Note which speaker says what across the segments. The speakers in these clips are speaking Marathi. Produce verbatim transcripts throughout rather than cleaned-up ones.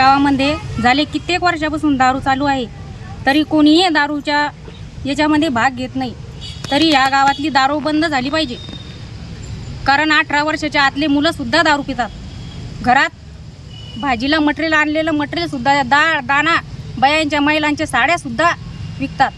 Speaker 1: गावामध्ये झाले कित्येक वर्षापासून दारू चालू आहे, तरी कोणीही दारूच्या याच्यामध्ये भाग घेत नाही. तरी या गावातली दारू बंद झाली पाहिजे, कारण अठरा वर्षाच्या आतले मुलंसुद्धा दारू पितात. घरात भाजीला मटेरियल आणलेलं मटेरियलसुद्धा, डाळ दाणा, बायांच्या महिलांच्या साड्यासुद्धा विकतात.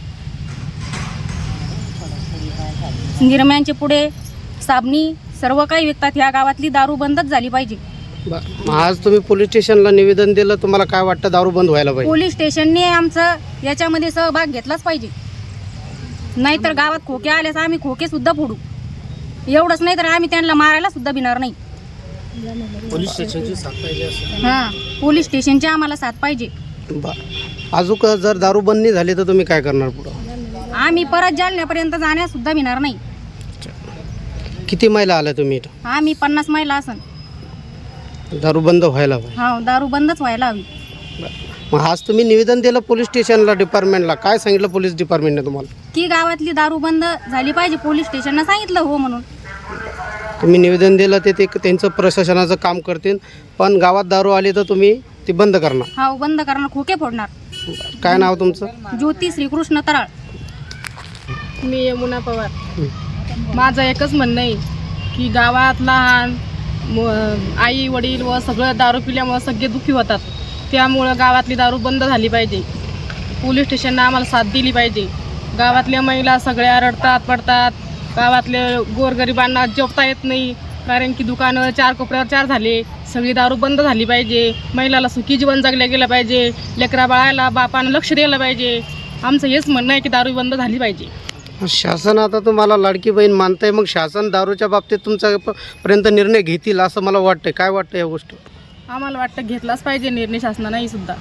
Speaker 1: निरम्यांचे पुढे, साबणी, सर्व काही विकतात. ह्या गावातली दारू बंदच झाली पाहिजे.
Speaker 2: आज तुम्ही पोलीस स्टेशनला निवेदन दिलं, तुम्हाला काय वाटतं दारू बंद व्हायला पाहिजे?
Speaker 1: पोलीस स्टेशनने आमचं याच्यामध्ये सहभाग घेतलाच पाहिजे, नाहीतर गावात खोके आल्यास आम्ही खोके सुद्धा फोडू. एवढंच नाही तर आम्ही त्यांना मारायला सुद्धा भिणार नाही.
Speaker 2: पोलीस स्टेशनची साथ पाहिजे.
Speaker 1: हां, पोलीस स्टेशनची आम्हाला साथ पाहिजे.
Speaker 2: अजून जर दारू बंद नाही झाली तर तुम्ही काय करणार पुढं?
Speaker 1: आम्ही परत जालन्यापर्यंत जाण्यास सुद्धा भिणार नाही.
Speaker 2: किती महिला आल्या तुम्ही इथं?
Speaker 1: आम्ही पन्नास महिला असन.
Speaker 2: दारू बंद व्हायला पाहिजे.
Speaker 1: हा, दारू बंदच व्हायला हवी.
Speaker 2: मग आज तुम्ही निवेदन दिलं पोलीस स्टेशनला, डिपार्टमेंटला, काय सांगितलं पोलीस डिपार्टमेंटने तुम्हाला?
Speaker 1: की गावातली दारू बंद झाली पाहिजे. पोलीस स्टेशनला सांगितलं हो म्हणून.
Speaker 2: तुम्ही निवेदन दिलं ते ते त्यांचं प्रशासनाचं काम करतील, पण गावात दारू आली तर तुम्ही ती बंद करणार?
Speaker 1: हा, बंद करणार, खोके फोडणार.
Speaker 2: काय नाव तुमचं?
Speaker 1: ज्योती श्रीकृष्ण तराळ.
Speaker 3: मी यमुना पवार. माझं एकच म्हणणं आहे की गावात लहान आई वडील व सगळं दारू पिल्यामुळं सगळे दुःखी होतात. त्यामुळं गावातली दारू बंद झाली पाहिजे. पोलीस स्टेशननं आम्हाला साथ दिली पाहिजे. गावातल्या महिला सगळ्या रडतात पडतात. गावातले गोरगरिबांना जेवता येत नाही, कारण की दुकानं चार कोपऱ्यावर चार झाले. सगळी दारू बंद झाली पाहिजे. महिलाला सुखी जीवन जगलं गेलं पाहिजे. लेकरा बाळाला बापानं लक्ष दिलं पाहिजे. आमचं हेच म्हणणं आहे की दारू बंद झाली पाहिजे.
Speaker 2: शासन आता तुम्हाला लाडकी बहीण मानताय, मग शासन दारूच्या बाबतीत तुमचा पर्यंत निर्णय घेतील असं मला वाटतंय. काय वाटतं या गोष्ट?
Speaker 3: आम्हाला वाटतं घेतलाच पाहिजे निर्णय शासनानेही सुद्धा.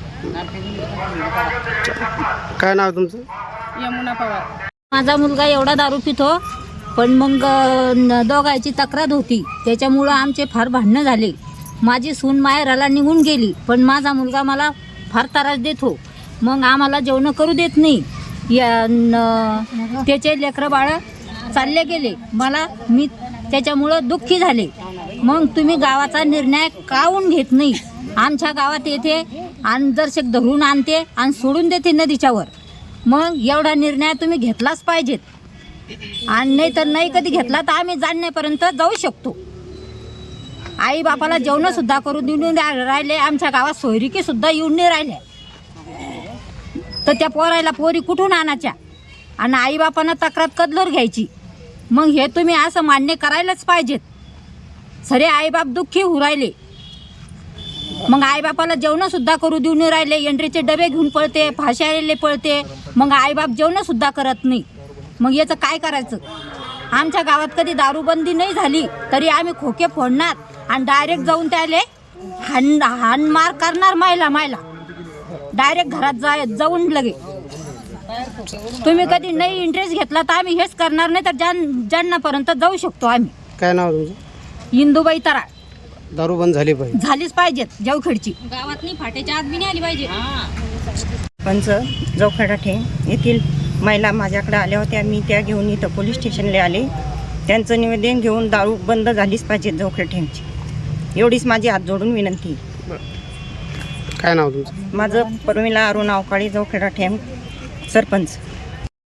Speaker 2: काय नाव तुमचं?
Speaker 3: यमुना पवार.
Speaker 4: माझा मुलगा एवढा दारू पितो, पण मग दोघांची तक्रार होती, त्याच्यामुळं आमचे फार भांडणं झाले. माझी सून माहेराला निघून गेली, पण माझा मुलगा मला फार त्रास देतो. मग आम्हाला जेवण करू देत नाही. या त्याचे लेकरं बाळं चालले गेले. मला मी त्याच्यामुळं दुःखी झाले. मग तुम्ही गावाचा निर्णय काहून घेत नाही? आमच्या गावात येते आणि दर्शक धरून आणते आणि सोडून देते नदीच्यावर. मग एवढा निर्णय तुम्ही घेतलाच पाहिजेत, आणि नाही तर नाही कधी घेतला तर आम्ही जाणण्यापर्यंत जाऊ शकतो. आई बापाला जेवणंसुद्धा करून देऊन राहिले. आमच्या गावात सोयरिकीसुद्धा येऊन नाही राहिल्या, तर त्या पोरायला पोरी कुठून आणायच्या आणि आईबापानं तक्रार कदलर घ्यायची. मग हे तुम्ही असं मान्य करायलाच पाहिजेत. सरे आईबाप दुःखी होऊ राहिले. मग आईबापाला जेवणंसुद्धा करू देऊन राहिले. एंट्रीचे डबे घेऊन पळते, फाशायले पळते. मग आईबाप जेवणंसुद्धा करत नाही. मग याचं काय करायचं? आमच्या गावात कधी दारूबंदी नाही झाली तरी आम्ही खोके फोडणार आणि डायरेक्ट जाऊन त्याले हान हानमार करणार. मायला मायला डायरेक्ट घरात जा जाऊन लगे. तुम्ही कधी नाही इंटरेस्ट घेतला तर आम्ही हेच करणार, नाही तर जान जालन्यापर्यंत जाऊ शकतो आम्ही.
Speaker 2: काय नाव तुमचं?
Speaker 1: इंदुबाई तराळ.
Speaker 2: दारू बंद झाली पाहिजे.
Speaker 1: झालीच पाहिजेत. जवखेडची गावातली फाट्याच्या आत बी नाही आली पाहिजे.
Speaker 5: पंच जवखेडा ठेंग येथील महिला माझ्याकडे आल्या होत्या. मी त्या घेऊन इथं पोलीस स्टेशनला आले. त्यांचं निवेदन घेऊन दारू बंद झालीच पाहिजे जवखेडा ठेंगची, एवढीच माझी हात जोडून विनंती.
Speaker 2: काय नाव तुमचं?
Speaker 5: माझं परमिला अरुण अवकाळी, जवखेडा ठेंग सरपंच.